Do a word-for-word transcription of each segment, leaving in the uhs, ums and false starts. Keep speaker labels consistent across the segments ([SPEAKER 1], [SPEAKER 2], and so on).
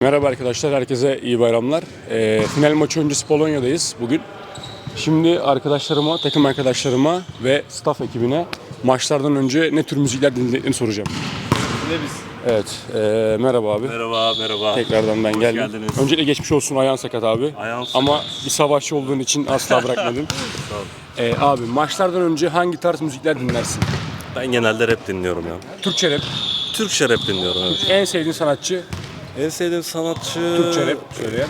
[SPEAKER 1] Merhaba arkadaşlar, herkese iyi bayramlar. E, final maçı öncesi Polonya'dayız bugün. Şimdi arkadaşlarıma, takım arkadaşlarıma ve staff ekibine maçlardan önce ne tür müzikler dinlediklerini soracağım.
[SPEAKER 2] Ne biz?
[SPEAKER 1] Evet, e, merhaba abi.
[SPEAKER 2] Merhaba, merhaba.
[SPEAKER 1] Tekrardan ben
[SPEAKER 2] Hoş
[SPEAKER 1] geldim.
[SPEAKER 2] geldiniz.
[SPEAKER 1] Öncelikle geçmiş olsun, ayağın sakat abi.
[SPEAKER 2] Ayağım sakat.
[SPEAKER 1] Ama bir savaşçı olduğun için asla bırakmadım.
[SPEAKER 2] Sağ ol.
[SPEAKER 1] E, abi maçlardan önce hangi tarz müzikler dinlersin?
[SPEAKER 2] Ben genelde rap dinliyorum ya.
[SPEAKER 1] Türkçe rap.
[SPEAKER 2] Türkçe rap dinliyorum evet.
[SPEAKER 1] En sevdiğin sanatçı
[SPEAKER 2] En sevdiğim sanatçı...
[SPEAKER 1] Türkçe rap söyleyen.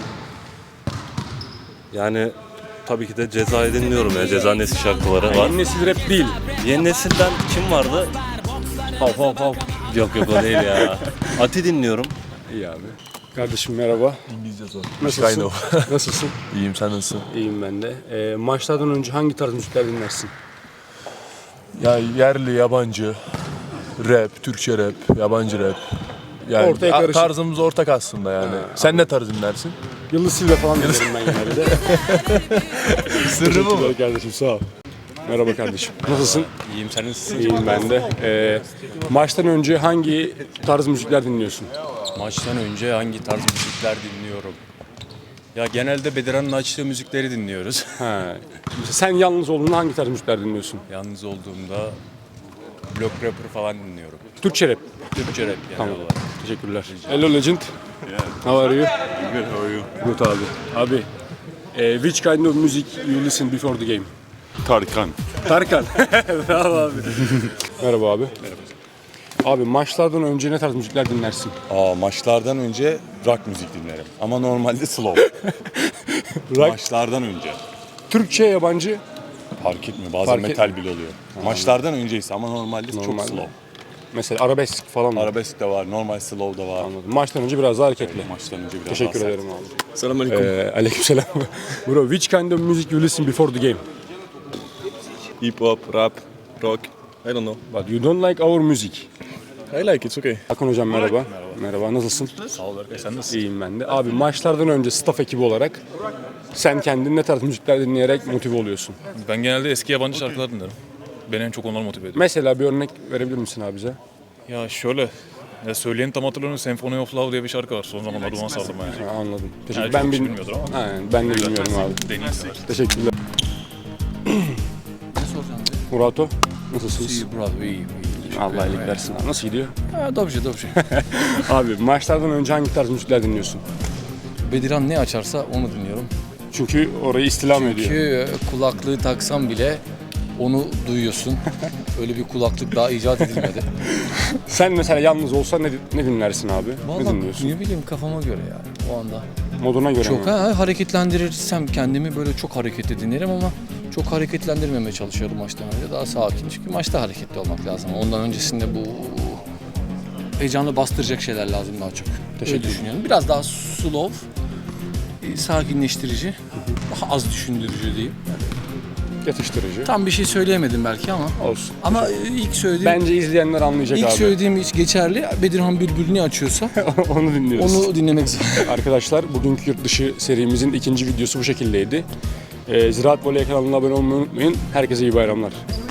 [SPEAKER 2] Yani tabii ki de Ceza'yı dinliyorum ya. Ceza nesil şarkıları var.
[SPEAKER 1] Yeni nesil rap değil.
[SPEAKER 2] Yeni nesilden kim vardı?
[SPEAKER 1] Hav hav hav.
[SPEAKER 2] Yok yok o değil ya. Ati dinliyorum.
[SPEAKER 1] İyi abi. Kardeşim merhaba.
[SPEAKER 3] İngilizce zor.
[SPEAKER 1] Nasılsın? Nasılsın?
[SPEAKER 3] İyiyim, sen nasılsın?
[SPEAKER 1] İyiyim ben de. Ee, maçlardan önce hangi tarz müzikler dinlersin?
[SPEAKER 3] Ya yerli, yabancı, rap, Türkçe rap, yabancı rap. Yani
[SPEAKER 1] Ortaya
[SPEAKER 3] a-
[SPEAKER 1] karışık.
[SPEAKER 3] tarzımız ortak aslında yani. Sen ne tarz dinlersin?
[SPEAKER 1] Yıldız Silve falan dinlerim ben genelde.
[SPEAKER 3] Sırrı bu mu?
[SPEAKER 1] Teşekkürler kardeşim, sağ ol. Merhaba kardeşim. Nasılsın?
[SPEAKER 4] İyiyim, sen nasılsın?
[SPEAKER 1] İyiyim ben de. Ee, maçtan önce hangi tarz müzikler dinliyorsun?
[SPEAKER 4] Maçtan önce hangi tarz müzikler dinliyorum? Ya genelde Bedirhan'ın açtığı müzikleri dinliyoruz.
[SPEAKER 1] Ha. Mesela sen yalnız olduğunda hangi tarz müzikler dinliyorsun?
[SPEAKER 4] Yalnız olduğumda Block Rapper falan dinliyorum.
[SPEAKER 1] Türkçe rap.
[SPEAKER 4] Türkçe rap genel
[SPEAKER 1] Tamam.
[SPEAKER 4] olarak.
[SPEAKER 1] Teşekkürler. Hello Legend. How are you?
[SPEAKER 2] Good, how are you?
[SPEAKER 1] Good abi. Abi, eh, which kind of music you listen before the game?
[SPEAKER 5] Tarkan.
[SPEAKER 1] Tarkan. Bravo abi. Merhaba abi. Merhaba. Abi maçlardan önce ne tarz müzikler dinlersin?
[SPEAKER 5] Aa, maçlardan önce rock müzik dinlerim. Ama normalde slow.
[SPEAKER 1] Rock,
[SPEAKER 5] Maçlardan önce.
[SPEAKER 1] Türkçe, yabancı.
[SPEAKER 5] Fark etmiyor. Bazen
[SPEAKER 1] Fark et-
[SPEAKER 5] metal bile oluyor. Maçlardan önceyse ama normalde çok
[SPEAKER 1] Normalde.
[SPEAKER 5] slow.
[SPEAKER 1] Mesela arabesk falan mı?
[SPEAKER 5] Arabesk de var, normal slow da var.
[SPEAKER 1] Anladım. Maçtan önce biraz daha hareketli.
[SPEAKER 5] Maçtan önce biraz
[SPEAKER 1] Teşekkür
[SPEAKER 5] daha sert.
[SPEAKER 1] ederim abi.
[SPEAKER 5] Selamünaleyküm.
[SPEAKER 1] Ee, aleykümselam. Bro, which kind of music you listen before the game?
[SPEAKER 6] Hip hop, rap, rock. I don't know.
[SPEAKER 1] But you don't like our music.
[SPEAKER 6] I like it, it's okay.
[SPEAKER 1] Akın hocam merhaba. Merhaba. Merhaba, nasılsın?
[SPEAKER 4] Sağ ol Berkay, sen nasılsın?
[SPEAKER 1] İyiyim ben de. Abi maçlardan önce staff ekibi olarak sen kendin ne tarz müzikler dinleyerek motive oluyorsun?
[SPEAKER 7] Ben genelde eski yabancı şarkılar dinlerim. Beni en çok onlar motive ediyor.
[SPEAKER 1] Mesela bir örnek verebilir misin abi bize?
[SPEAKER 7] Ya şöyle, ya söyleyeni tam hatırlamıyorum. Symphony of Love diye bir şarkı var. Son zamanlarda ona sardım yani.
[SPEAKER 1] Ha, anladım. Teşekkür
[SPEAKER 7] Yani
[SPEAKER 1] Ben
[SPEAKER 7] çok kişi
[SPEAKER 1] bil-
[SPEAKER 7] bilmiyordur ama.
[SPEAKER 1] Aynen, ben de bilmiyorum abi.
[SPEAKER 7] Deneyimler.
[SPEAKER 1] Teşekkürler.
[SPEAKER 4] Ne soracağım?
[SPEAKER 1] Murato, nasılsınız?
[SPEAKER 4] İyi, bravo, iyi, iyi.
[SPEAKER 1] Allah iyilik versin. abi. Nasıl gidiyor?
[SPEAKER 4] Ha, dobrze, dobrze.
[SPEAKER 1] Abi maçlardan önce hangi tarz müzikler dinliyorsun?
[SPEAKER 4] Bedirhan ne açarsa onu dinliyorum.
[SPEAKER 1] Çünkü orayı istilam ediyor.
[SPEAKER 4] Çünkü kulaklığı taksam bile onu duyuyorsun. Öyle bir kulaklık daha icat edilmedi.
[SPEAKER 1] Sen mesela yalnız olsan ne, ne dinlersin abi? ne
[SPEAKER 4] Vallahi
[SPEAKER 1] dinliyorsun?
[SPEAKER 4] ne bileyim kafama göre yani o anda.
[SPEAKER 1] Moduna göre
[SPEAKER 4] Çok
[SPEAKER 1] mi?
[SPEAKER 4] ha, hareketlendirirsem kendimi böyle çok hareketli dinlerim ama çok hareketlendirmemeye çalışıyorum maçtan önce. Daha sakin. Çünkü maçta hareketli olmak lazım. Ondan öncesinde bu heyecanı bastıracak şeyler lazım daha çok. Öyle düşünüyorum. Biraz daha slow, e, sakinleştirici, daha az düşündürücü diyeyim.
[SPEAKER 1] Yatıştırıcı.
[SPEAKER 4] Tam bir şey söyleyemedim belki ama.
[SPEAKER 1] Olsun.
[SPEAKER 4] Ama e, ilk söylediğim
[SPEAKER 1] Bence izleyenler anlayacak
[SPEAKER 4] ilk
[SPEAKER 1] abi.
[SPEAKER 4] söylediğim hiç geçerli. Bedirhan Bülbül ne açıyorsa
[SPEAKER 1] Onu dinliyoruz.
[SPEAKER 4] onu dinlemek zor.
[SPEAKER 1] Arkadaşlar bugünkü yurt dışı serimizin ikinci videosu bu şekildeydi. Ee, Ziraat Voley kanalına abone olmayı unutmayın. Herkese iyi bayramlar.